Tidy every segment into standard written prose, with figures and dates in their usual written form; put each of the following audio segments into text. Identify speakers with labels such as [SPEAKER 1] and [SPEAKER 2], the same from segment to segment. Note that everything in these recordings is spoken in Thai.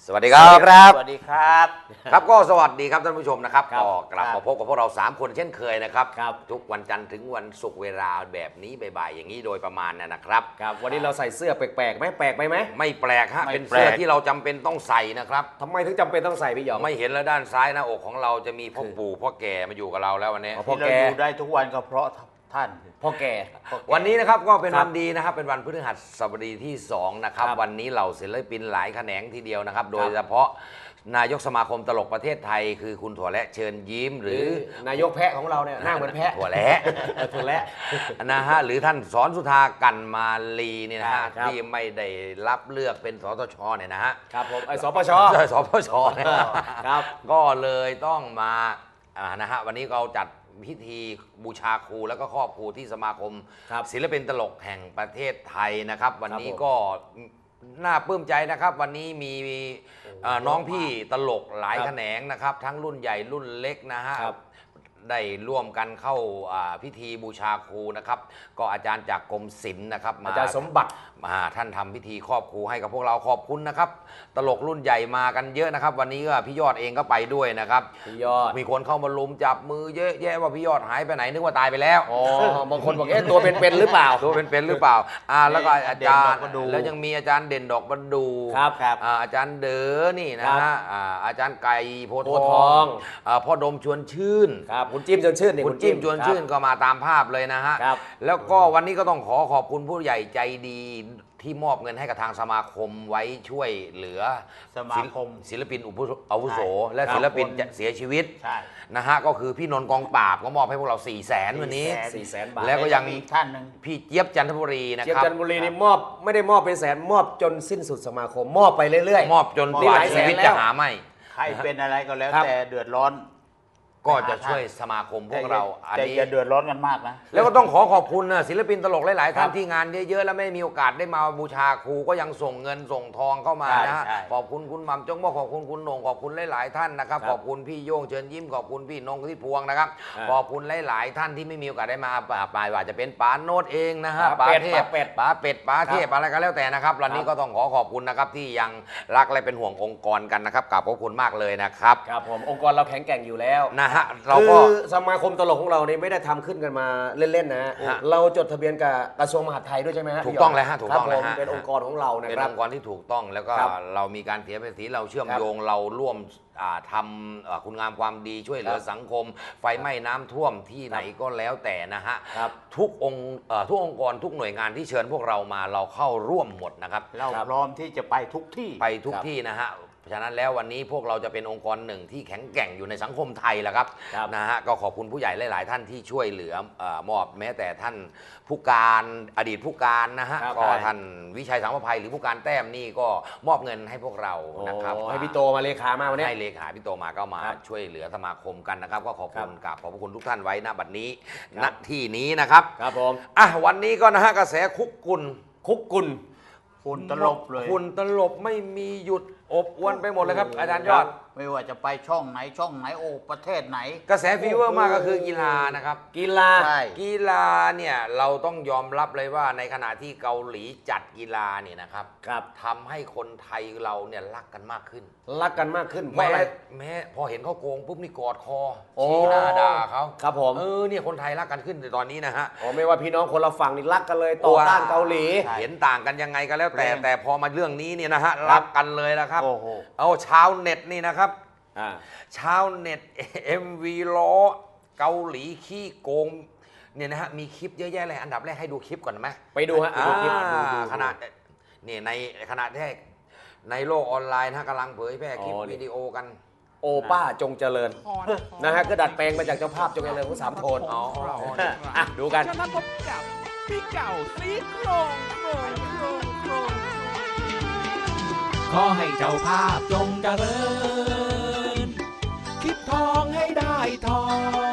[SPEAKER 1] สวัสดีครับ
[SPEAKER 2] สวัสดีครับ
[SPEAKER 1] ครับก็สวัสดีครับท่านผู้ชมนะครับ
[SPEAKER 2] ครับ
[SPEAKER 1] ก็กลับมาพบกับพวกเรา3คนเช่นเคยนะครับ
[SPEAKER 2] ครับ
[SPEAKER 1] ทุกวันจันทร์ถึงวันศุกร์เวลาแบบนี้บ่ายๆอย่างนี้โดยประมาณนะครับ
[SPEAKER 2] ครับวันนี้เราใส่เสื้อแปลกๆไหมแปลกไปไหม
[SPEAKER 1] ไม่แปลกฮะ
[SPEAKER 2] ไม่
[SPEAKER 1] เป็น
[SPEAKER 2] แปลก
[SPEAKER 1] เสื้อที่เราจำเป็นต้องใส่นะครับ
[SPEAKER 2] ทำไมถึงจำเป็นต้องใส่พี่หยอง
[SPEAKER 1] ไม่เห็นแล้วด้านซ้ายหน้าอกของเราจะมีพ่อปู่พ่อแก่มาอยู่กับเราแล้ววันนี้
[SPEAKER 2] อ๋อ พ่
[SPEAKER 3] ที่เราอยู่ได้ทุกวันก็เพราะท่าน
[SPEAKER 2] พ่อแก่
[SPEAKER 1] วันนี้นะครับก็เป็น
[SPEAKER 2] ครับ
[SPEAKER 1] วันดีนะครับเป็นวันพฤหัสบดีที่2นะครับ
[SPEAKER 2] ครับ
[SPEAKER 1] วันนี้เหล่าศิลปินหลายแขนงทีเดียวนะครับ โดยเฉพาะนายกสมาคมตลกประเทศไทย คือคุณถั่วและเชิญยิ้มห
[SPEAKER 2] ห
[SPEAKER 1] รื
[SPEAKER 2] รือ อนายกแพะของเราเนี่ยหน้าเหมือนแพะ
[SPEAKER 1] ถั่วและ
[SPEAKER 2] ถั่วและ
[SPEAKER 1] นะฮะหรือท่านสอนสุธากันมาลีเนี่ยนะฮะ
[SPEAKER 2] ครับ
[SPEAKER 1] ที่ไม่ได้รับเลือกเป็นสตชเนี่ยนะฮะ
[SPEAKER 2] ครับผมไอ้สปช
[SPEAKER 1] ใช่สปชเนี่ย
[SPEAKER 2] ครับ
[SPEAKER 1] ก็เลยต้องมานะฮะวันนี้เราจัดพิธีบูชาครูแล้วก็ครอบครูที่สมาคม
[SPEAKER 2] ครับ
[SPEAKER 1] ศิลปินตลกแห่งประเทศไทยนะครับ วันนี้
[SPEAKER 2] ครับผม
[SPEAKER 1] ก็น่าปลื้มใจนะครับ วันนี้มีน้องพี่ตลกหลาย
[SPEAKER 2] ครับ
[SPEAKER 1] แขนงนะครับ ทั้งรุ่นใหญ่รุ่นเล็กนะฮะ
[SPEAKER 2] ครับ
[SPEAKER 1] ได้ร่วมกันเข้าพิธีบูชาครูนะครับ ก็อาจารย์จากกรมศิลป์นะครับ
[SPEAKER 2] อาจารย์สมบัติ
[SPEAKER 1] ท่านทำพิธีครอบครูให้กับพวกเราขอบคุณนะครับ ตลกรุ่นใหญ่มากันเยอะนะครับ วันนี้ก็พี่ยอดเองก็ไปด้วยนะครับ
[SPEAKER 2] พี่ยอด
[SPEAKER 1] มีคนเข้ามาลุมจับมือเยอะแยะว่าพี่ยอดหายไปไหนนึกว่าตายไปแล้ว
[SPEAKER 2] อ๋อบางคนบอกตัวเป็นๆหรือเปล่า
[SPEAKER 1] ตัวเป็นๆหรือเปล่าแล้วก็อาจารย์
[SPEAKER 3] เด่นดอกประดู่
[SPEAKER 1] แล้วยังมีอาจารย์เด่นดอกประดู
[SPEAKER 2] ครับครับ
[SPEAKER 1] อาจารย์เด๋อนี่นะ
[SPEAKER 2] ครั
[SPEAKER 1] ฮะ
[SPEAKER 2] บ
[SPEAKER 1] อาจารย์ไก่โพธิ์
[SPEAKER 2] โพธิ์ทอง
[SPEAKER 1] พ่อดมชวนชื่น
[SPEAKER 2] ครับคุณจิ้มชวนชื่นนี่
[SPEAKER 1] คุณจิ้มชวนชื่นก็มาตามภาพเลยนะฮะ
[SPEAKER 2] ครับ
[SPEAKER 1] แล้วก็วันนี้ก็ต้องขอบคุณผู้ใหญ่ใจดีที่มอบเงินให้กับทางสมาคมไว้ช่วยเหลือ
[SPEAKER 3] สมาคม
[SPEAKER 1] ศิลปินอาวุโส
[SPEAKER 3] ใช่
[SPEAKER 1] และ
[SPEAKER 3] ครับ
[SPEAKER 1] ศิลปินจะเสียชีวิต
[SPEAKER 3] ใช่
[SPEAKER 1] นะฮะก็คือพี่นนท์กองปราบก็มอบให้พวกเรา 400,000วันนี้
[SPEAKER 2] 400,000 บาท
[SPEAKER 1] แล้วก็ยัง
[SPEAKER 3] มีอีกท่านหนึ่ง
[SPEAKER 1] พี่เจี๊ยบจันทบุรีนะ
[SPEAKER 2] เชีย
[SPEAKER 1] ครับ
[SPEAKER 2] จันทบุรีนี่มอบไม่ได้มอบเป็นแสนมอบจนสิ้นสุดสมาคมมอบไปเรื่อยๆ
[SPEAKER 1] มอบจน
[SPEAKER 2] นี่
[SPEAKER 1] กว่า
[SPEAKER 2] หลายแส
[SPEAKER 1] ชี
[SPEAKER 2] น
[SPEAKER 1] วิต
[SPEAKER 2] แล้ว
[SPEAKER 1] จะหาไม่
[SPEAKER 3] ใครเป็นอะไรก็แล้ว
[SPEAKER 2] ครับ
[SPEAKER 3] แต่เดือดร้อน
[SPEAKER 1] ก็จะช่วยสมาคมพวกเราอัน
[SPEAKER 3] แต่
[SPEAKER 1] นี้
[SPEAKER 3] อย่าเดือดร้อนกันมากนะ
[SPEAKER 1] แล้วก็ต้องขอบคุณนะศิลปินตลกหลายๆท่าน
[SPEAKER 2] ครับ
[SPEAKER 1] ที่งานเยอะๆแล้วไม่มีโอกาสได้มาบูชาครูก็ยังส่งเงินส่งทองเข้ามา
[SPEAKER 3] ใช่
[SPEAKER 1] นะฮะ
[SPEAKER 3] ใช่
[SPEAKER 1] ขอบคุณคุณหม่ำจงบอกขอบคุณคุณโหน่งขอบคุณหลายๆท่านนะครับ
[SPEAKER 2] ครับ
[SPEAKER 1] ขอบคุณพี่โย่งเชิญยิ้มขอบคุณพี่นงที่พวงนะครับ ขอบคุณหลายๆท่านที่ไม่มีโอกาสได้มาไปว่าจะเป็นป๋าโนดเองนะฮะ
[SPEAKER 2] ป๋าเป็ด
[SPEAKER 1] เทพ
[SPEAKER 2] ป๋าเป็ด
[SPEAKER 1] ป๋าเป็ดป๋าเทพอะไรก็แล้วแต่นะครับวันนี้ก็ต้องขอบคุณนะครับที่ยังรักและเป็นห่วงองค์กรกันนะครับขอบคุณมากเลยนะครับ
[SPEAKER 2] ครับผมองค์กรเราแข็งแกร่งอยู่แล้ว
[SPEAKER 1] นะฮะเรา
[SPEAKER 2] คื
[SPEAKER 1] ก็
[SPEAKER 2] อสมาคมตลกของเราเนี่ยไม่ได้ทำขึ้นกันมาเล่นๆนะฮะ
[SPEAKER 1] ฮะ
[SPEAKER 2] เราจดทะเบียนกับกระทรวงมหาดไทยด้วยใช่ไหมฮะ
[SPEAKER 1] ถูกต้องเลยฮะถูกต้อง
[SPEAKER 2] ครับผม
[SPEAKER 1] เลยฮะ
[SPEAKER 2] เป็นองค์กรของเรานะ
[SPEAKER 1] เป็น
[SPEAKER 2] ครั
[SPEAKER 1] อบ งค์กรที่ถูกต้องแล้วก็
[SPEAKER 2] ครับ
[SPEAKER 1] เรามีการเสียภาษีเราเชื่อม
[SPEAKER 2] ครับ
[SPEAKER 1] โยงเราร่วมทำคุณงามความดีช่วยเหลือ
[SPEAKER 2] ครับ
[SPEAKER 1] สังคม ไฟไหม้น้ำท่วมที่ไหนก็แล้วแต่นะฮะ
[SPEAKER 2] ครับ
[SPEAKER 1] ทุกองค์กรทุกหน่วยงานที่เชิญพวกเรามาเราเข้าร่วมหมดนะครับ
[SPEAKER 3] เราพร้อมที่จะไปทุกที่
[SPEAKER 1] ไปทุก
[SPEAKER 2] ครับ
[SPEAKER 1] ที่นะฮะฉะนั้นแล้ววันนี้พวกเราจะเป็นองค์กรหนึ่งที่แข็งแกร่งอยู่ในสังคมไทยแหละครับ
[SPEAKER 2] ครับ
[SPEAKER 1] นะฮะก็ขอบคุณผู้ใหญ่หลาย ๆ ท่านที่ช่วยเหลือมอบแม้แต่ท่านผู้การอดีตผู้การนะฮะ
[SPEAKER 2] ครับ
[SPEAKER 1] ก็ท่านวิชัยสังประภัยหรือผู้การแต้มนี่ก็มอบเงินให้พวกเรานะครับ
[SPEAKER 2] ให้พี่โตมาเลขามาวันนี้
[SPEAKER 1] ให้เลขาพี่โตมาก็มา
[SPEAKER 2] ครับ
[SPEAKER 1] ช่วยเหลือสมาคมกันนะครับก็ขอบคุณ
[SPEAKER 2] ครับ
[SPEAKER 1] กับขอบพระคุณทุกท่านไว้ณบัดนี้
[SPEAKER 2] ครั
[SPEAKER 1] ณ
[SPEAKER 2] บ
[SPEAKER 1] ที่นี้นะครับ
[SPEAKER 2] ครับผม
[SPEAKER 1] วันนี้ก็นะฮะกระแสคุกกุล
[SPEAKER 2] คุกกุล
[SPEAKER 3] ฝุ่นตลบเลย
[SPEAKER 1] คุณตลบไม่มีหยุดอบอวนไปหมดเลยครับอาจารย์ยอด
[SPEAKER 3] ไม่ว่าจะไปช่องไหนช่องไหนโอ้ประเทศไหน
[SPEAKER 1] กระแสฟีเวอร์มากก็คือกีฬานะครับ
[SPEAKER 2] กีฬา
[SPEAKER 3] ใช่
[SPEAKER 1] กีฬาเนี่ยเราต้องยอมรับเลยว่าในขณะที่เกาหลีจัดกีฬาเนี่ยนะครับ
[SPEAKER 2] ครับ
[SPEAKER 1] ทำให้คนไทยเราเนี่ยรักกันมากขึ้น
[SPEAKER 2] รักกันมากขึ้นเพ
[SPEAKER 1] แม้
[SPEAKER 2] ราะอะไร
[SPEAKER 1] แม้พอเห็นเขาโกงปุ๊บนี่กอดคอ
[SPEAKER 2] โอ้
[SPEAKER 1] ชี้หน้าด่าเขา
[SPEAKER 2] ครับผม
[SPEAKER 1] เนี่ยคนไทยรักกันขึ้นในตอนนี้นะฮะ
[SPEAKER 2] ไม่ว่าพี่น้องคนละฝั่งนี่รักกันเลยต่อต้านเกาหลี
[SPEAKER 3] ใช่
[SPEAKER 1] เห็นต่างกันยังไงก็แล้วแต่
[SPEAKER 3] เรื่อง
[SPEAKER 1] แต่พอมาเรื่องนี้เนี่ยนะฮะรักกันเลยนะครับ
[SPEAKER 3] โอ้โห
[SPEAKER 1] เอาชาวเน็ตนี่นะครับ
[SPEAKER 2] อ่า
[SPEAKER 1] ชาวเน็ต MV ล้อเกาหลีขี้โกงเนี่ยนะฮะมีคลิปเยอะแยะเลยอันดับแรกให้ดูคลิปก่อนไหม
[SPEAKER 2] ไปดูฮะไปดูคลิปดู
[SPEAKER 1] ขนาดเนี่ยในขณะที่ในโลกออนไลน์นะฮะกำลังเผยแพร่คลิป
[SPEAKER 2] อ๋อนี่
[SPEAKER 1] วิดีโอกัน
[SPEAKER 2] โอป้าจงเจริญนะฮะก็ดัดแปลงมาจากเจ้าภาพจงเจริญของสามโทน
[SPEAKER 1] อ๋อ
[SPEAKER 2] อ่ะดูกัน
[SPEAKER 4] จะมาพบกับพี่เก่าซีโครงโครงโครงโครง
[SPEAKER 5] ขอให้เจ้าภาพจงเจริญ คิดทองให้ได้ทอง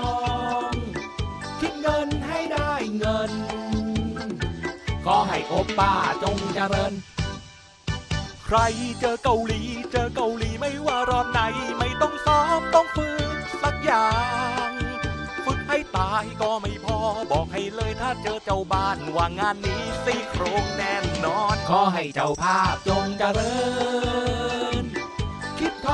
[SPEAKER 5] คิดเงินให้ได้เงิน ขอให้โอป้าจงเจริญ
[SPEAKER 4] ใครเจอเกาหลีไม่ว่ารอบไหนไม่ต้องซ้อมต้องฝึกสักอย่าง ฝึกให้ตายก็ไม่พอบอกให้เลยถ้าเจอเจ้าบ้านว่างานนี้ซี่โครงแน่นอน
[SPEAKER 5] ขอให้เจ้าภาพจงเจริญ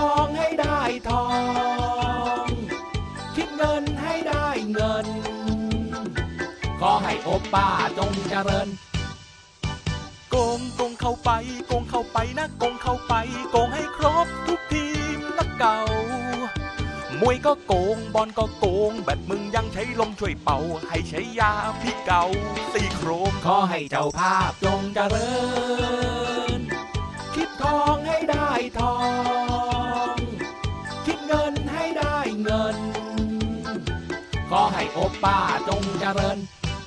[SPEAKER 5] องให้ได้ทอง คิดเงินให้ได้เงิน ขอให้โอป้าจงเจริญ
[SPEAKER 4] โกงเข้าไปโกงเข้าไปนะโกงเข้าไปโกงให้ครบทุกทีมนักเก่ามวยก็โกงบอลก็โกงแบดมึงยังใช้ลมช่วยเป่าให้ใช้ยาพี่เก่าซี่โครง
[SPEAKER 5] ขอให้เจ้าภาพจงเจริญ คิดทองให้ได้ทอง คิดเงินให้ได้เงิน ขอให้โอป้าจงเจริญ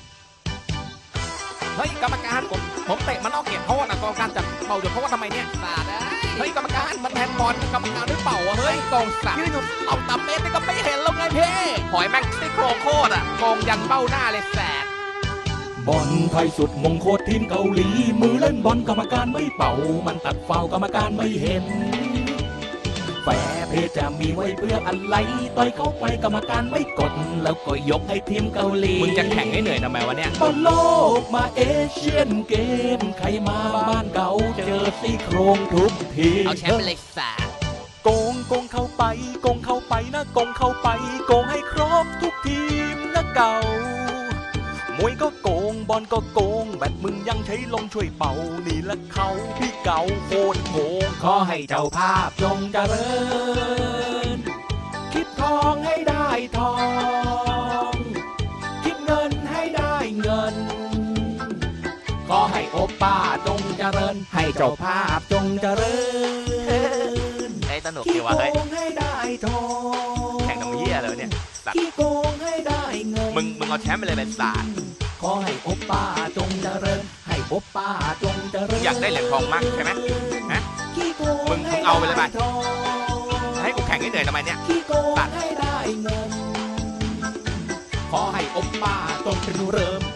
[SPEAKER 6] เฮ้ยกรรมการผมเตะมันนอกเขตโทษนะกรรมการจับเป่าหยุดเพราะว่าทำไมเนี่ยสาดเฮ้ยกรรมการมันแทนบอลกรรมการหรือเปล่าอะเฮ้ยกองสักยืนอยู่เอาต่ำเมตรนี่ก็ไม่เห็นแล้วไงเพ่หอยแม่งซี่โครงโคตรอะกองยันเบ้าหน้าเลยแสด
[SPEAKER 5] บอลไทยสุดมงโคตรทีมเกาหลี มือเล่นบอลกรรมการไม่เป่า มันตัดฟาวล์กรรมการไม่เห็น แฟร์เพย์จะมีไว้เพื่ออะไรต่อยเข้าไปกรรมการไม่กด แล้วก็ยกให้ทีมเกาหลี
[SPEAKER 6] มึงจะแข่งให้เหนื่อยทำไมวะเนี่ย
[SPEAKER 5] บอลโลกมาเอเชียนเกม ใครมาบ้านเก่าเจอซี่โครงทุกที
[SPEAKER 6] เอาแชมป์ไปเลยสาด
[SPEAKER 4] โกงเข้าไปโกงเข้าไปนะโกงเข้าไปโกงให้ครบทุกทีมนักเก่ามวยก็โกงบอลก็โกงแบดมึงยังใช้ลมช่วยเป่านี่แหละเขาพี่เก่าโคตรโกง
[SPEAKER 5] ขอให้เจ้าภาพจงเจริญ คิดทองให้ได้ทอง คิดเงินให้ได้เงิน ขอให้โอป้าจงเจริญ ให้เจ้าภาพจงเจริญ
[SPEAKER 6] ไอ้สนุก
[SPEAKER 5] ขี้
[SPEAKER 6] ดี
[SPEAKER 5] โก
[SPEAKER 6] วะเฮ้ย
[SPEAKER 5] งให้ได้ทอง
[SPEAKER 6] แข่งกับเหี้ยอะไรวะเนี่ยสัตว์
[SPEAKER 5] ขี้โกงให้ได้เงิน
[SPEAKER 6] มึงเอาแชมป์ไปเลยเป็นสาด
[SPEAKER 5] ขอให้โอป้าจงเจริญ ให้โอป้าจงเจริญ
[SPEAKER 6] อยากได้เหรียญทองมากใช่ไหมฮะ
[SPEAKER 5] ขี้โกง
[SPEAKER 6] มึงเอาไปเลยไป
[SPEAKER 5] ให้ด้ทอง
[SPEAKER 6] ให้กูแข่งให้เหนื่อยทำไมเนี่ย
[SPEAKER 5] ขี้โกงให้ได้เงิน ขอให้โอป้าจงเป็นเริ่ม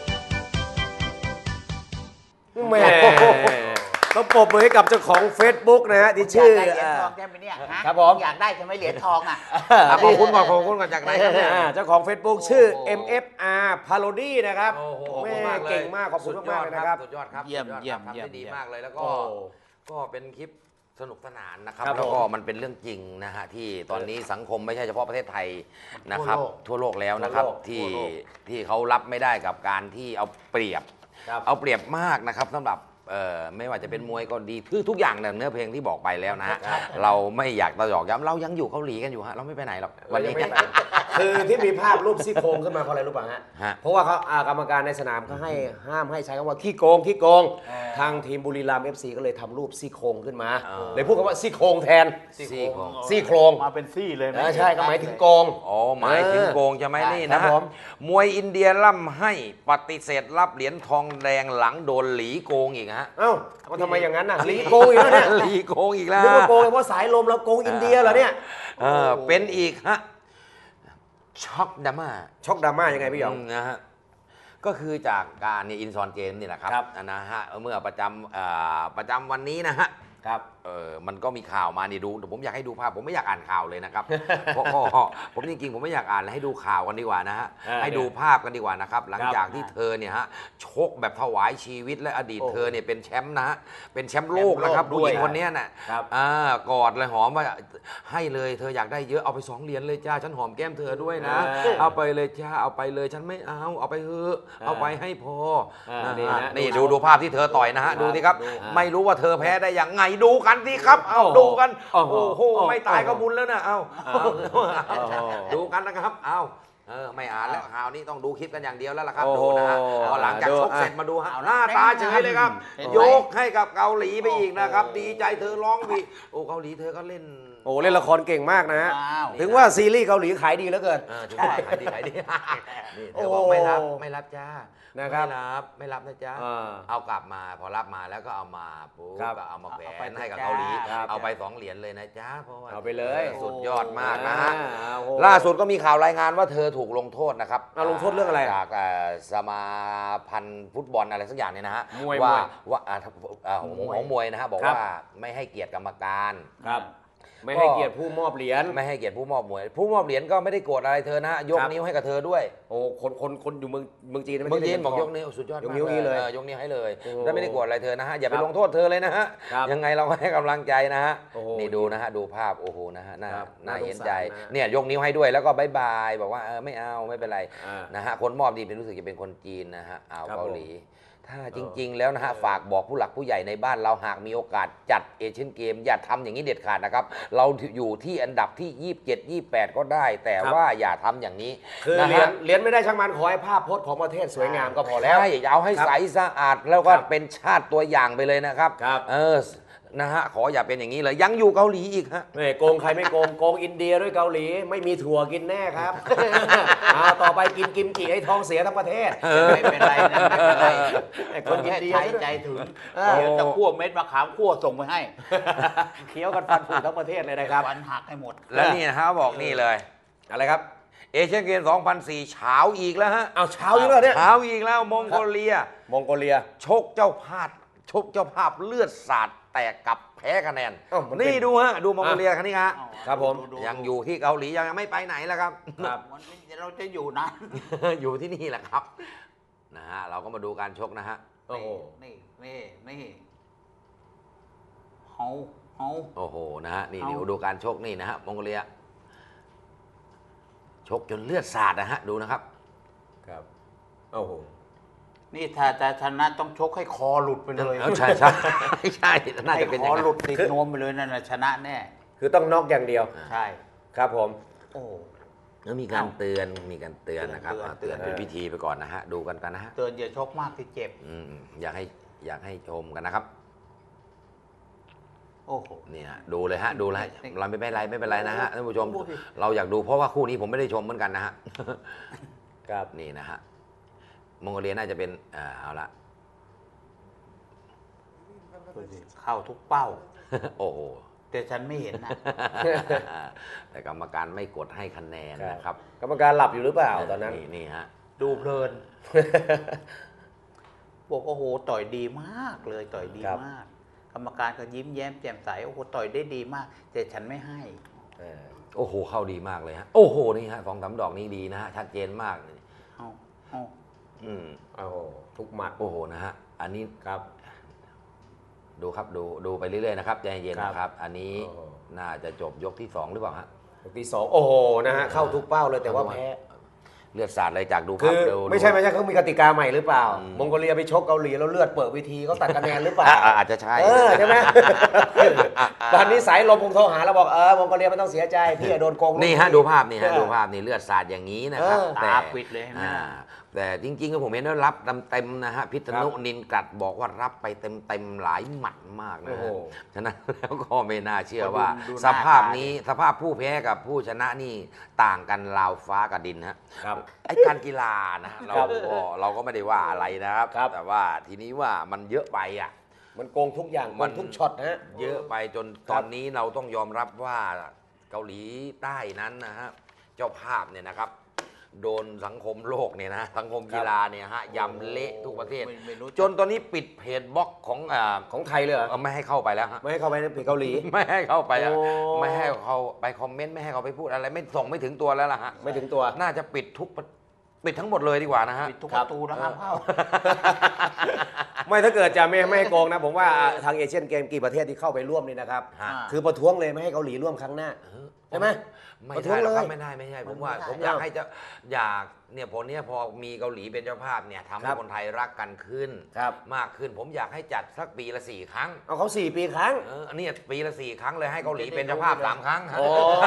[SPEAKER 2] แหม่ต้องปรบมือให้กับเจ้าของ Facebook นะฮะที่ชื่อ
[SPEAKER 3] อยากได้เหรียญทองใช่ไหมเนี่ยฮะ
[SPEAKER 2] ครับผม
[SPEAKER 3] อยากได้ใช่ไหมเหรียญทองอ่ะ
[SPEAKER 1] ขอบคุณก่อนขอบคุณก่อนจากไหนครับเนี่ย
[SPEAKER 2] เจ้าของ Facebook ชื่อ MFR Parody นะครับ
[SPEAKER 1] โอ้โหขอบ
[SPEAKER 2] แม่
[SPEAKER 1] คุณมากเลย
[SPEAKER 2] เก่งมากขอบคุณมากๆเลยนะครับ
[SPEAKER 1] สุดยอดครับ
[SPEAKER 3] เยี่ยม
[SPEAKER 1] สุดอด
[SPEAKER 3] เยี่ยม
[SPEAKER 1] ครับ
[SPEAKER 3] เยี่ยม
[SPEAKER 1] ทำได้ดีมากเลยแล้วก็
[SPEAKER 2] โอ้
[SPEAKER 1] ก็เป็นคลิปสนุกสนานนะครับ
[SPEAKER 2] ครับ
[SPEAKER 1] แล้วก็
[SPEAKER 2] ผม
[SPEAKER 1] มันเป็นเรื่องจริงนะฮะที่ตอนนี้สังคมไม่ใช่เฉพาะประเทศไทยนะครับ ทั่วโลกแล้วนะครับ
[SPEAKER 2] ทั่วโลก
[SPEAKER 1] ที่เขารับไม่ได้กับการที่เอาเปรียบ
[SPEAKER 2] ครับ
[SPEAKER 1] เอาเปรียบมากนะครับสำหรับไม่ว่าจะเป็นมวยก็ดีคือทุกอย่างเนี่ยเนื้อเพลงที่บอกไปแล้วนะฮะเราไม่อยากตะหยอกย้ำเรายังอยู่เกาหลีกันอยู่ฮะเราไม่ไปไหนหรอกวันนี้
[SPEAKER 2] คือที่มีภาพรูปซี่โครงขึ้นมาเพราะอะไรรู้ป่ะฮะ
[SPEAKER 1] ฮะ
[SPEAKER 2] เพราะว่าเขากรรมการในสนามเขาให้ห้ามให้ใช้คำว่าขี้โกงขี้โกง ทางทีมบุรีรัมย์ FC ก็เลยทำรูปซี่โครงขึ้นมา เลยพูดคำว่าซี่โครงแทน
[SPEAKER 1] ซี่โครง
[SPEAKER 2] ซี่โครง
[SPEAKER 3] มาเป็นซี่เลยไหม
[SPEAKER 2] ใช่ก็หมายถึงโกง
[SPEAKER 1] อ๋อหมายถึงโกงใช่ไหมนี่
[SPEAKER 2] ครั
[SPEAKER 1] นะ
[SPEAKER 2] บ
[SPEAKER 1] ฮะ
[SPEAKER 2] ผม
[SPEAKER 1] มวยอินเดียล่ำให้ปฏิเสธรับเหรียญทองแดงหลังโดนหลีโกงอีกฮะ
[SPEAKER 2] เอ้ามันทำไมอย่างนั้นน่ะลีโกงอีกแล้วเนี่ย
[SPEAKER 1] หลีโกงอีกแล้ว
[SPEAKER 2] นึกว่าโกงเพราะสายลมเราโกงอินเดียเหรอเนี่ย
[SPEAKER 1] เป็นอีกฮะช็อกดราม่า
[SPEAKER 2] ช็อกดราม่ายังไงพี่หยอง
[SPEAKER 1] นะฮะก็คือจากการเนี่ยอินซอนเกมนี่แหละครับ
[SPEAKER 2] ครับ
[SPEAKER 1] นะฮะเมื่อประจำวันนี้นะฮะ
[SPEAKER 2] ครับ
[SPEAKER 1] มันก็มีข่าวมานี่ดูแต่ผมอยากให้ดูภาพผมไม่อยากอ่านข่าวเลยนะครับ เพราะผมจริงๆผมไม่อยากอ่านเลยให้ดูข่าวกันดีกว่านะฮะให้ดูภาพกันดีกว่านะครับหลังจากที่เธอเนี่ยฮะชกแบบถวายชีวิตและอดีตเธอเนี่ยเป็นแชมป์นะฮะเป็นแชมป์โลกนะครับผู้หญิงคนนี้น่ะ
[SPEAKER 2] ครับ
[SPEAKER 1] กอดเลยหอมว่าให้เลยเธออยากได้เยอะเอาไป2 เหรียญเลยจ้าฉันหอมแก้มเธอด้วยนะ เอาไปเลยจ้าเอาไปเลยฉันไม่เอาไปเถอะเอาไปให้พอนี่ดูภาพที่เธอต่อยนะฮะดูสิครับไม่รู้ว่าเธอแพ้ได้ยังไงดูกันสิครับเอาดูกันโอ้โหไม่ตายก็บุญแล้วนะเอาดูกันนะครับเอาไม่อ่านแล้วข่าวนี้ต้องดูคลิปกันอย่างเดียวแล้วล่ะครับดูนะฮะพอหลังจากชกเสร็จมาดูฮะหน้าตาเฉยเลยครับยกให้กับเกาหลีไปอีกนะครับดีใจเธอร้องวีโอ้เกาหลีเธอก็เล่น
[SPEAKER 2] โอ้เล่นละครเก่งมากนะฮะ
[SPEAKER 3] ว้าว
[SPEAKER 2] ถึงว่าซีรีส์เกาหลีขายดีเหลือเกิน
[SPEAKER 1] ถึงว่าขายดีนี่เธอบอกไม่รับจ้า
[SPEAKER 2] นะครับ
[SPEAKER 1] ไม่รับนะจ๊ะ
[SPEAKER 2] อ่า
[SPEAKER 1] เอากลับมาพอรับมาแล้วก็เอามาปุ๊บ
[SPEAKER 2] ครับ
[SPEAKER 1] ก็เอามาแขว
[SPEAKER 3] เอาไป
[SPEAKER 1] นให้กับ
[SPEAKER 3] จ้า
[SPEAKER 1] เกาหลี
[SPEAKER 2] ครับ
[SPEAKER 1] เอาไป2 เหรียญเลยนะจ๊ะเพราะว่า
[SPEAKER 2] เอาไปเลย
[SPEAKER 1] สุดยอดมากนะฮะ
[SPEAKER 2] โอ้โห
[SPEAKER 1] ล่าสุดก็มีข่าวรายงานว่าเธอถูกลงโทษนะครับ
[SPEAKER 2] ลงโทษเรื่องอะไร
[SPEAKER 1] จากสมาพันธ์ฟุตบอลอะไรสักอย่างเนี่ยนะฮะ
[SPEAKER 2] มวย
[SPEAKER 1] ว่าของมวยนะฮะบอก
[SPEAKER 2] ครับ
[SPEAKER 1] ว่าไม่ให้เกียรติกรรมการ
[SPEAKER 2] ครับ ไม่ให้เกียรติผู้มอบเหรียญ
[SPEAKER 1] ไม่ให้เกียรติผู้มอบมวยผู้มอบเหรียญก็ไม่ได้โกรธอะไรเธอนะยก
[SPEAKER 2] ครับ
[SPEAKER 1] นิ้วให้กับเธอด้วย
[SPEAKER 2] โอ้คนอยู่เมืองจีนไม่
[SPEAKER 1] เมือง
[SPEAKER 2] ใช่
[SPEAKER 1] จีนบอก
[SPEAKER 2] เหรี
[SPEAKER 1] ย
[SPEAKER 2] ญ
[SPEAKER 1] กนิ้วสุดยอด
[SPEAKER 2] ยกนิ้วนี้เลย
[SPEAKER 1] ยกนิ้วให้เลย
[SPEAKER 2] โอ้
[SPEAKER 1] แล้วไม่ได้โกรธอะไรเธอนะฮะอย่าไป
[SPEAKER 2] ครับ
[SPEAKER 1] ลงโทษเธอเลยนะฮะ
[SPEAKER 2] ครับ
[SPEAKER 1] ยังไงเราก็ให้กำลังใจนะฮะ
[SPEAKER 2] โอ้โห
[SPEAKER 1] นี่ดูนะฮะดูภาพโอ้โหนะฮะน่า
[SPEAKER 2] ครับ
[SPEAKER 1] น่า
[SPEAKER 2] น่าสงสาร
[SPEAKER 1] เห็นใจ
[SPEAKER 2] นะ
[SPEAKER 1] เนี่ยยกนิ้วให้ด้วยแล้วก็บายบายบอกว่าไม่เอาไม่เป็นไร
[SPEAKER 2] อ่า
[SPEAKER 1] นะฮะคนมอบนี่เป็นรู้สึกจะเป็นคนจีนนะฮะอ่าว
[SPEAKER 2] ครับ
[SPEAKER 1] เกาหลี ถ้าจริง ๆ แล้วนะฮะฝากบอกผู้หลักผู้ใหญ่ในบ้านเราหากมีโอกาสจัดเอเชียนเกมอย่าทำอย่างนี้เด็ดขาดนะครับ เราอยู่ที่อันดับที่ 27 28 ก็ได้ แต่ว่าอย่าทำอย่างนี้
[SPEAKER 2] คือ
[SPEAKER 1] นะ
[SPEAKER 2] เหรีย
[SPEAKER 1] ฮะ
[SPEAKER 2] ญเหรียญไม่ได้ช่างมันขอให้ภาพพจน์ของประเทศสวยงามก็พอแล้ว
[SPEAKER 1] ใช่เอาให้
[SPEAKER 2] ครับ
[SPEAKER 1] ใสสะอาดแล้วก็
[SPEAKER 2] ครับ
[SPEAKER 1] เป็นชาติตัวอย่างไปเลยนะครับ
[SPEAKER 2] ครับ
[SPEAKER 1] นะฮะขออย่าเป็นอย่างนี้เลยยังอยู่เกาหลีอีกฮะ
[SPEAKER 2] ไม่โกงใครไม่โกงโกงอินเดียด้วยเกาหลีไม่มีถั่วกินแน่ครับ ต่อไปกินกิมจิให้ท้องเสียทั้งประเทศ
[SPEAKER 3] ไม่เป็นไรนะไม่เป็นไร
[SPEAKER 2] ไอ้
[SPEAKER 3] ค
[SPEAKER 2] คน
[SPEAKER 3] น
[SPEAKER 2] อิน
[SPEAKER 3] แค่
[SPEAKER 2] เดีย
[SPEAKER 3] ใจ
[SPEAKER 2] ซะด้วย
[SPEAKER 3] ใจถึง
[SPEAKER 2] เออ
[SPEAKER 3] เดี๋ยวจะคั่วเม็ดมะขามคั่วส่งไปให้
[SPEAKER 2] เคี้ยวกันฟันผุทั้งประเทศเลยนะครับ
[SPEAKER 3] วันหักให้หมด
[SPEAKER 1] แล้วนี่นะฮะบอกนี่เลย
[SPEAKER 2] อะไรครับ
[SPEAKER 1] เอเชียนเกม 2004 เช้าอีกแล้วฮะ
[SPEAKER 2] เอาเช้าอยู่แล้วเนี่ย
[SPEAKER 1] เช้าอีกแล้วมองโกเลีย
[SPEAKER 2] มองโกเลีย
[SPEAKER 1] ชกเจ้าภาพเลือดสาดแตกกลับแพ้คะแนน
[SPEAKER 2] อ้าวมันเป็น
[SPEAKER 1] นี่ดูฮะดูมองโกเลียคันนี้ฮะ
[SPEAKER 2] ครับผม
[SPEAKER 3] ดู
[SPEAKER 1] ยังอยู่ที่เกาหลียังไม่ไปไหนแล้วครับ
[SPEAKER 2] ครับ
[SPEAKER 3] วันนี้เราจะอยู่นะ
[SPEAKER 1] อยู่ที่นี่แหละครับนะฮะเราก็มาดูการชกนะฮะ
[SPEAKER 2] โอ้โห
[SPEAKER 3] นี่เฮา
[SPEAKER 1] โอ้โหนะฮะนี่
[SPEAKER 3] เอา
[SPEAKER 1] เดี๋ยวดูการชกนี่นะฮะมองโกเลีย ชกจนเลือดสาดนะฮะดูนะครับ
[SPEAKER 2] ครับโอ้โห
[SPEAKER 3] นี่ถ้าจะชนะต้องชกให้คอหลุดไปเลย
[SPEAKER 1] ใช่ใช่ใช่น่า
[SPEAKER 3] ให้
[SPEAKER 1] จะเป็น
[SPEAKER 3] ค
[SPEAKER 1] อย่า
[SPEAKER 3] อง
[SPEAKER 1] นั้น
[SPEAKER 3] หลุดติดนวมไปเลยนั่นนะชนะแน่
[SPEAKER 2] คือต้องน็อกอย่างเดียว
[SPEAKER 3] ใช่
[SPEAKER 2] ครับผม
[SPEAKER 3] โอ้
[SPEAKER 1] แล้วมีการเตือนนะครับ
[SPEAKER 3] เตือน
[SPEAKER 1] เตือนเป็นพิธีไปก่อนนะฮะดูกันนะฮะ
[SPEAKER 3] เตือนอย่าชกมากที่เจ็บ
[SPEAKER 1] อยากให้ชมกันนะครับ
[SPEAKER 3] โอ้โห
[SPEAKER 1] เนี่ยดูเลยฮะดูเลยเราไม่เป็นไรนะฮะท่านผู้ชม
[SPEAKER 3] โอ้โห
[SPEAKER 1] เราอยากดูเพราะว่าคู่นี้ผมไม่ได้ชมเหมือนกันนะฮะ
[SPEAKER 2] ครับ
[SPEAKER 1] นี่นะฮะมองโกเลียน่าจะเป็นเอาละ
[SPEAKER 3] เข้าทุกเป้า
[SPEAKER 1] โอ้โห
[SPEAKER 3] แต่ฉันไม่เห็นนะ
[SPEAKER 1] แต่กรรมการไม่กดให้คะแนนนะครับ
[SPEAKER 2] กรรมการหลับอยู่หรือเปล่าตอนนั้น
[SPEAKER 1] นี่ฮะ
[SPEAKER 3] ดูเพลิน บอกโอ้โหต่อยดีมากเลยต่อยดี
[SPEAKER 2] ครับ
[SPEAKER 3] มาก กรรมการก็ยิ้มแย้มแจ่มใสโอ้โหต่อยได้ดีมาก แต่ฉันไม่ให้
[SPEAKER 1] โอ้โหเข้าดีมากเลยฮะโอ้โหนี่ฮะ2-3 ดอกนี้ดีนะฮะชัดเจนมากเลย
[SPEAKER 3] เอาเอา
[SPEAKER 1] อืม
[SPEAKER 2] โอ้โหทุกหมัด
[SPEAKER 1] โอ้โหนะฮะอันนี้
[SPEAKER 2] ครับ
[SPEAKER 1] ดูครับดูไปเรื่อยๆนะครับใจเย็นๆ
[SPEAKER 2] ครับ
[SPEAKER 1] นะครับ อันนี้
[SPEAKER 2] โอ้โห
[SPEAKER 1] น่าจะจบยกที่ 2 หรือเปล่าฮะ
[SPEAKER 2] ยกที่สองโอ้โหนะฮะเข้าทุกเป้าเลยแต่ว่าแพ้
[SPEAKER 1] เลือดสาดเลยจากดู
[SPEAKER 2] คื
[SPEAKER 1] ภาพ
[SPEAKER 2] อ
[SPEAKER 1] ดู
[SPEAKER 2] ไม่ใช่เขามีกติกาใหม่หรือเปล่า
[SPEAKER 1] อืม
[SPEAKER 2] มองโกเลียไปชกเกาหลีแล้วเลือดเปิดวิธีเขาตัดคะแนนหรือเปล่า
[SPEAKER 1] อาจจะใช่
[SPEAKER 2] ใช่ไหม ตอนนี้สายลมคงโทรหาแล้วบอกมองโกเลียไม่ต้องเสียใจพี่โดนโกง
[SPEAKER 1] นี่ฮะดูภาพนี่ฮะดูภาพนี่เลือดสาดอย่างนี้นะครับ
[SPEAKER 3] ตาปิดเลยนะ
[SPEAKER 1] แต่จริงๆก็ผมเห็นว่ารับเต็มๆนะฮะพิษณุนินกัดบอกว่ารับไปเต็มๆหลายหมัดมากนะฮะฉะนั้นแล้วก็ไม่น่าเชื่อว่า
[SPEAKER 3] ดูหน้า
[SPEAKER 1] สภาพนี้สภาพผู้แพ้กับผู้ชนะนี่ต่างกันราวฟ้ากับดินฮะ
[SPEAKER 2] ครับ
[SPEAKER 1] ไอ้การกีฬานะเราก็ไม่ได้ว่าอะไรนะครับ
[SPEAKER 2] ครับ
[SPEAKER 1] แต่ว่าทีนี้ว่ามันเยอะไปอ่ะ
[SPEAKER 2] มันโกงทุกอย่างโก
[SPEAKER 1] มั
[SPEAKER 2] ง
[SPEAKER 1] น
[SPEAKER 2] ทุกช็อตนะฮะ
[SPEAKER 1] เยอะไปจนตอนนี้เราต้องยอมรับว่าเกาหลีใต้นั้นนะฮะเจ้าภาพเนี่ยนะครับ โดนสังคมโลกเนี่ยนะสังคมกีฬาเนี่ยฮะยำเละทุกประเทศ
[SPEAKER 3] ไม่รู้
[SPEAKER 1] จนตอนนี้ปิดเพจบล็อกของ
[SPEAKER 2] ของไทยเลยเหรอ
[SPEAKER 1] ไม่ให้เข้าไปแล้วฮะ
[SPEAKER 2] ไม่ให้เข้าไปในเพจเกาหลี
[SPEAKER 1] ไม่ให้เข้าไปอะ
[SPEAKER 2] โอ้
[SPEAKER 1] ไม่ให้เขาไปคอมเมนต์ไม่ให้เขาไปพูดอะไรไม่ส่งไม่ถึงตัวแล้วล่ะฮะ
[SPEAKER 2] ไม่ถึงตัว
[SPEAKER 1] น่าจะปิดทั้งหมดเลยดีกว่านะฮะ
[SPEAKER 3] ปิดทุกประตูนะครับเข้า
[SPEAKER 2] ไม่ถ้าเกิดจะไม่ให้โกงนะ ผมว่าทางเอเชียนเกมกี่ประเทศที่เข้าไปร่วมนี่นะครับ
[SPEAKER 1] ฮะ
[SPEAKER 2] คือประท้วงเลยไม่ให้เกาหลีร่วมครั้งหน้าใช่ไหม
[SPEAKER 1] ไม่
[SPEAKER 2] ประท้ว
[SPEAKER 1] ได้
[SPEAKER 2] ง
[SPEAKER 1] หรอกครับ
[SPEAKER 2] เลย
[SPEAKER 1] ไม่ได้ผมว่า
[SPEAKER 3] ไม่ได้
[SPEAKER 1] ผมอยากให้อยากเนี่ยผลเนี้ยพอมีเกาหลีเป็นเจ้าภาพเนี่ยทำให้
[SPEAKER 2] ครับ
[SPEAKER 1] คนไทยรักกันขึ้น
[SPEAKER 2] ครับ
[SPEAKER 1] มากขึ้นผมอยากให้จัดสักปีละ4 ครั้ง
[SPEAKER 2] เอาเขา4 ปีครั้ง
[SPEAKER 1] อันนี้ปีละ4 ครั้งเลยให้เกาหลีเป็นเจ้าภาพ3 ครั้งฮะ
[SPEAKER 2] โอ้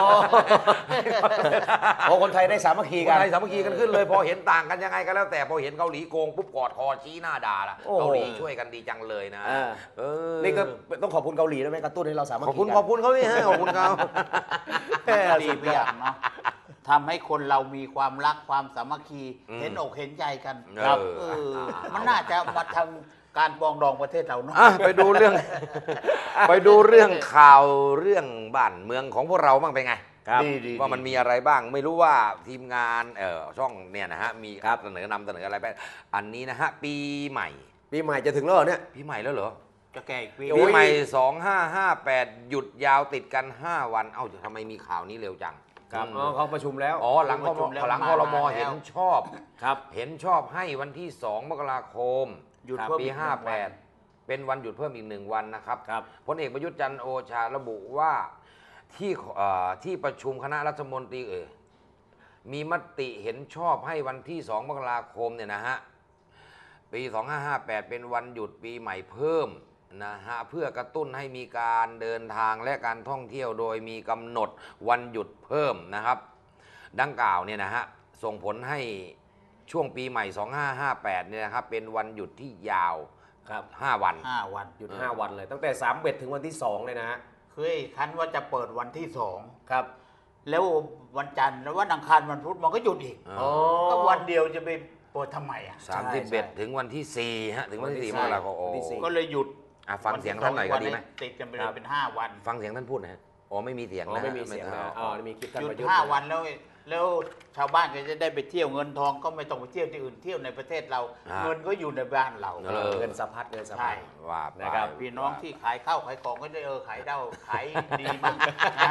[SPEAKER 2] โอ้คนไทยได้สามัคคี
[SPEAKER 1] ค
[SPEAKER 2] กัน
[SPEAKER 1] นไทยสามัคคีกันขึ้นเลยพอเห็นต่างกันยังไงก็แล้วแต่พอเห็นเกาหลีโกงปุ๊บกอดคอชี้หน้าด่าละ
[SPEAKER 2] โอ้
[SPEAKER 1] เกาหลีช่วยกันดีจังเลยนะ เออ
[SPEAKER 2] นี่ก็ต้องขอบคุณเกาหลีด้วยไหมกระตุ้นให้เราสามัค
[SPEAKER 1] ขอบ
[SPEAKER 2] คี
[SPEAKER 1] คุณ
[SPEAKER 2] กัน
[SPEAKER 1] ขอบคุณเขานี่ฮะขอบคุณเขา
[SPEAKER 3] ดีไปอย่างเนาะทำให้คนเรามีความรักความสามัคคี เห็นอกเห็นใจกัน
[SPEAKER 1] ครับ
[SPEAKER 3] มันน่าจะมาทำการปรองดองประเทศเราเนาะ
[SPEAKER 1] ไปดูเรื่อง ไปดูเรื่องข่าวเรื่องบ้านเมืองของพวกเราบ้างเป็นไง
[SPEAKER 2] ครับ
[SPEAKER 3] ดี
[SPEAKER 1] ว่ามันมีอะไรบ้างไม่รู้ว่าทีมงานช่องเนี่ยนะฮะมีเสนอนำเสนออะไรไปอันนี้นะฮะปีใหม่
[SPEAKER 2] ปีใหม่จะถึงแล้วเหรอเนี่ย
[SPEAKER 1] ปีใหม่แล้วเหรอ
[SPEAKER 3] จะแก่อีกปี
[SPEAKER 2] โอ้
[SPEAKER 1] ปี
[SPEAKER 2] ย
[SPEAKER 1] ใหม่ 2558 หยุดยาวติดกัน 5 วันเอ้าทำไมมีข่าวนี้เร็วจัง
[SPEAKER 2] ครับอ๋อเขาประชุมแล้ว
[SPEAKER 1] อ๋อหลังครมเห็นชอบ
[SPEAKER 2] ครับ
[SPEAKER 1] เห็นชอบให้วันที่ 2 มกราคม
[SPEAKER 3] หยุด
[SPEAKER 2] ครับ
[SPEAKER 3] เพิ่ม
[SPEAKER 1] ปี
[SPEAKER 3] อีกหนึ่งวัน
[SPEAKER 1] 58 เป็นวันหยุดเพิ่มอีก1 วันนะครับ
[SPEAKER 2] ครับ
[SPEAKER 1] พลเอกประยุทธ์จันทร์โอชาระบุว่าที่ประชุมคณะรัฐมนตรีมีมติเห็นชอบให้วันที่ 2 มกราคมเนี่ยนะฮะปี 2558 เป็นวันหยุดปีใหม่เพิ่มนะฮะเพื่อกระตุ้นให้มีการเดินทางและการท่องเที่ยวโดยมีกำหนดวันหยุดเพิ่มนะครับดังกล่าวเนี่ยนะฮะส่งผลให้ช่วงปีใหม่ 2558 เนี่ยนะครับเป็นวันหยุดที่ยาว
[SPEAKER 2] ครับ
[SPEAKER 1] 5 วัน
[SPEAKER 3] 5 วัน
[SPEAKER 2] หยุด5 วันเลยตั้งแต่3เบ็ดถึงวันที่2เลยนะฮะ
[SPEAKER 3] เคยคันว่าจะเปิดวันที่
[SPEAKER 2] ครับ
[SPEAKER 3] 2 แล้ววันจันทร์แล้ววันอังคารวันพุธมันก็หยุดอีก
[SPEAKER 1] อ๋อ
[SPEAKER 3] ก็วันเดียวจะไปเปิดทำไมอ่ะ
[SPEAKER 1] 31 ถึงวันที่ 4 ฮะ ถึงวันที่ 4 มกราคม
[SPEAKER 2] วันที่สี่
[SPEAKER 3] ก็เลยหยุด
[SPEAKER 1] ฟังเสียงท่านหน่อยก็ดีไหม
[SPEAKER 3] ติดกันไปเลยเป็น5 วัน
[SPEAKER 1] ฟังเสียงท่านพูดนะฮะอ๋อไม่มีเสียง
[SPEAKER 2] อ๋อ
[SPEAKER 1] นะ
[SPEAKER 2] ไม่มีเสียงนะอ๋อมีคลิปท่าน
[SPEAKER 3] หยุด
[SPEAKER 2] ประยุทธ์
[SPEAKER 3] 5 วันแล้วชาวบ้านก็จะได้ไปเที่ยวเงินทองก็ไม่ต้องไปเที่ยวที่อื่นเที่ยวในประเทศเรา เงินก็อยู่ในบ้านเรา
[SPEAKER 2] เงินสะพัดเงินสะพัด
[SPEAKER 1] ว่าไป
[SPEAKER 2] นะครับ
[SPEAKER 3] พี่น้องที่ขายข้าวขายของก็ได้ขายได้ขายดีมากนะ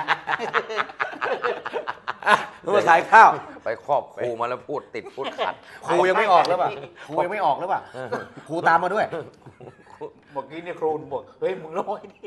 [SPEAKER 2] มาขายข้าว
[SPEAKER 1] ไปครอบครูมาแล้วพูดติดพูดขัด
[SPEAKER 2] ครูยังไม่ออกหรือเปล่าครูยังไม่ออกหรือเปล่าครูตามมาด้วย
[SPEAKER 3] เมื่อกี้เนี่ยครูบอกเฮ้ยมึงน้อยดิ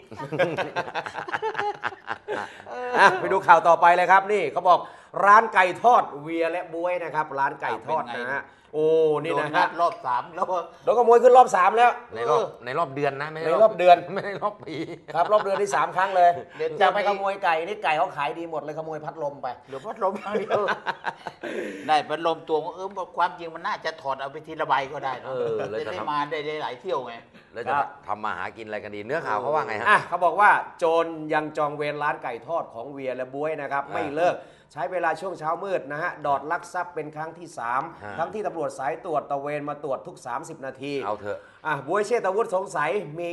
[SPEAKER 2] ไปดูข่าวต่อไปเลยครับนี่เขาบอกร้านไก่ทอดเวียและบวยนะครับร้านไก่ทอดนะฮะโอ้นี่
[SPEAKER 3] โด
[SPEAKER 2] นะ
[SPEAKER 3] นั
[SPEAKER 2] ฮะ
[SPEAKER 3] ดรอบ 3 แล้วก็
[SPEAKER 2] โดนขโมยขึ้นรอบ3แล้ว
[SPEAKER 1] ในรอบเดือนนะไม่
[SPEAKER 2] ในรอบเดือน
[SPEAKER 1] ไม่ได้รอบปี
[SPEAKER 2] ครับรอบเดือนที่3 ครั้งเลยจะไปขโมยไก่นี่ไก่เขาขายดีหมดเลยขโมยพัดลมไป
[SPEAKER 3] เหลือพัดลมอย่างเดียวได้พัดลมตัวความจริงมันน่าจะถอดเอาไปทีละใบก็ได้นะจะได้มาได้หลายเที่ยวไง
[SPEAKER 1] แล้วจะทำมาหากินอะไรกันดี เนื้อข่าวเขาว่าไงฮะ
[SPEAKER 2] อ่ะเขาบอกว่าโจรยังจองเวรร้านไก่ทอดของเวียและบวยนะครับไม่เลิกใช้เวลาช่วงเช้ามืดนะฮะดอดลักทรัพย์เป็นครั้งที่ 3 ทั้งที่ตำรวจสายตรวจตระเวนมาตรวจทุก 30 นาที
[SPEAKER 1] เอาเถอะ
[SPEAKER 2] บวยเชษฐวุฒิสงสัยมี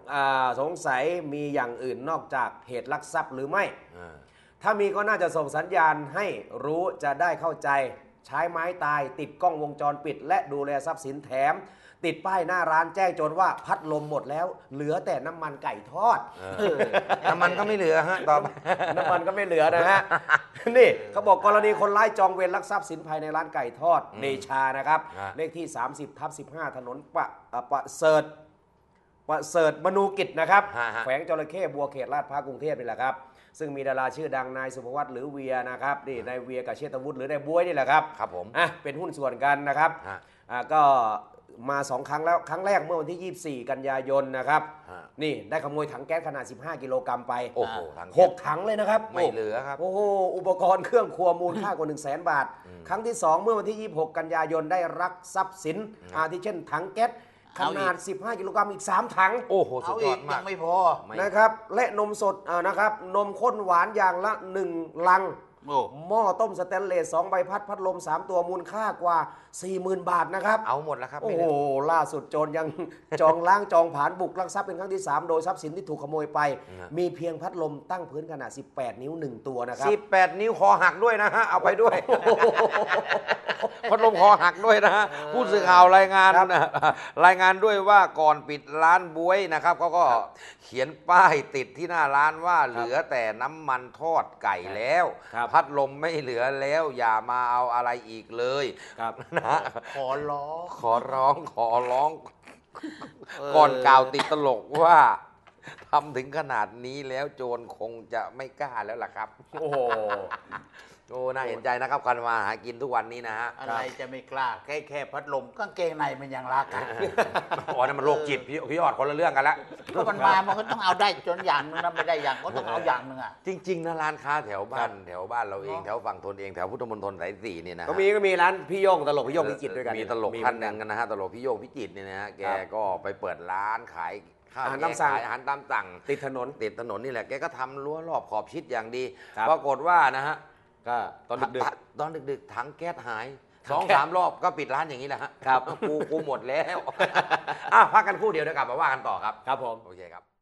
[SPEAKER 2] อย่างอื่นนอกจากเหตุลักทรัพย์หรือไม่ ถ้ามีก็น่าจะส่งสัญญาณให้รู้จะได้เข้าใจใช้ไม้ตายติดกล้องวงจรปิด และดูแลทรัพย์สินแถม ติดป้ายหน้าร้านแจ้งโจรว่าพัดลมหมดแล้ว เหลือแต่น้ำมันไก่ทอด
[SPEAKER 1] น้ำมันก็ไม่เหลือฮะต่อไป
[SPEAKER 2] น้ำมันก็ไม่เหลือนะฮะ นี่เขาบอกกรณีคนร้ายจองเวรลักทรัพย์สินภายในร้านไก่ทอดเดชานะครับ เลขที่ 30/15 ถนนประเสริฐมนูกิจนะครับ แขวงจระเข้บัวเขตลาดพร้าวกรุงเทพนี่แหละครับ ซึ่งมีดาราชื่อดังนายสุภวัตหรือเวียนะครับนี่นายเวียกับเชษฐวุฒิหรือนายบ๊วยนี่แหละครับ
[SPEAKER 1] ครับผม
[SPEAKER 2] เป็นหุ้นส่วนกันนะครับก็มา2 ครั้งแล้วครั้งแรกเมื่อวันที่ 24 กันยายนนะครับนี่ได้ขโมยถังแก๊สขนาด 15 กิโลกรัมไป
[SPEAKER 1] โอ้โหถัง
[SPEAKER 2] 6 ถังเลยนะครับ
[SPEAKER 1] ไม่เหลือครับ
[SPEAKER 2] โอ้โหอุปกรณ์เครื่องครัวมูลค่ากว่า 100,000 บาท ครั้งที่ 2 เมื่อวันที่ 26 กันยายนได้รักทรัพย์สินอาทิเช่นถังแก๊สขนาด 15 กิโลกรัมอีก 3 ถัง
[SPEAKER 1] โอ้โหสุ
[SPEAKER 3] เอา
[SPEAKER 1] ดย
[SPEAKER 3] อี
[SPEAKER 1] อก ดมา
[SPEAKER 3] ยั
[SPEAKER 1] ก
[SPEAKER 3] งไม่พอ
[SPEAKER 2] นะครับและนมสดนะครับนมข้นหวานอย่างละ1 ลัง
[SPEAKER 3] โอ้
[SPEAKER 2] หม้อต้มสแตนเลส2 ใบพัดลม 3 ตัวมูลค่ากว่า 40,000 บาทนะครับ
[SPEAKER 1] เอาหมดแล้วครับ
[SPEAKER 2] โอ้
[SPEAKER 1] ไม่
[SPEAKER 2] โห
[SPEAKER 1] เหลือ
[SPEAKER 2] ล่าสุดโจรยัง จองล้างจองผลาญบุกลักทรัพย์เป็นครั้งที่ 3 โดยทรัพย์สินที่ถูกขโมยไป มีเพียงพัดลมตั้งพื้นขนาด 18 นิ้ว 1 ตัวนะครับ
[SPEAKER 1] 18 นิ้วคอหักด้วยนะฮะ เอาไปด้วย พัดลมคอหักด้วยนะฮะ ผู้สื่อข่าวรายงานรายงานด้วยว่าก่อนปิดร้านบ๊วยนะครับเขาก็เขียนป้ายติดที่หน้าร้านว่าเหลือแต่น้ำมันทอดไก่แล้ว พัดลมไม่เหลือแล้วอย่ามาเอาอะไรอีกเลยนะ
[SPEAKER 3] ขอร้อง
[SPEAKER 1] ขอร้อง ก่อนกล่าวติดตลกว่าทำถึงขนาดนี้แล้วโจรคงจะไม่กล้าแล้วล่ะครับ
[SPEAKER 2] โอ้โห
[SPEAKER 1] โอ้น่าเห็นใจนะครับการมาหากินทุกวันนี้นะฮะ
[SPEAKER 3] อะไรจะไม่กล้าแค่พัดลมกางเกงในมันยังรักอ่ะ
[SPEAKER 1] อ๋อนั่นมันโรคจิตพี่ยอดคนละเรื่องกันละ
[SPEAKER 3] ก็มันมามันก็ต้องเอาได้จนอย่างนึงนะไม่ได้อย่างก็ต้องเอาอย่างนึงอ่ะ
[SPEAKER 1] จริง ๆนะร้านค้าแถวบ้านเราเองแถวฝั่งทนเองแถวพุทธมณฑลสาย4เนี่ยนะ
[SPEAKER 2] ก็มีร้านพี่โย่งตลกพี่โย่งพิจิตรด้วยกัน
[SPEAKER 1] มีตลกท่านหนึ่งนะฮะตลกพี่โยงพิจิตรเนี่ยนะฮะแกก็ไปเปิดร้านขายข้าว
[SPEAKER 2] อาหารตามสั่ง
[SPEAKER 1] ขายอาหารตามสั่ง
[SPEAKER 2] ติดถนน
[SPEAKER 1] นี่แหละแกก็ทำรั้วรอบขอบชิดอย่างดี
[SPEAKER 2] ครับ
[SPEAKER 1] ปรากฏว่านะฮะ
[SPEAKER 2] ก็ตอนดึก
[SPEAKER 1] ตอนดึกๆถังแก๊สหาย
[SPEAKER 2] ถังแก๊ส
[SPEAKER 1] 2-3 รอบก็ปิดร้านอย่างนี้แหละฮะ
[SPEAKER 2] ครับ
[SPEAKER 1] กูหมดแล้ว พักกันครู่เดียวเดี๋ยวกลับมาว่ากันต่อครับ
[SPEAKER 2] ครับผม
[SPEAKER 1] โอเคครับ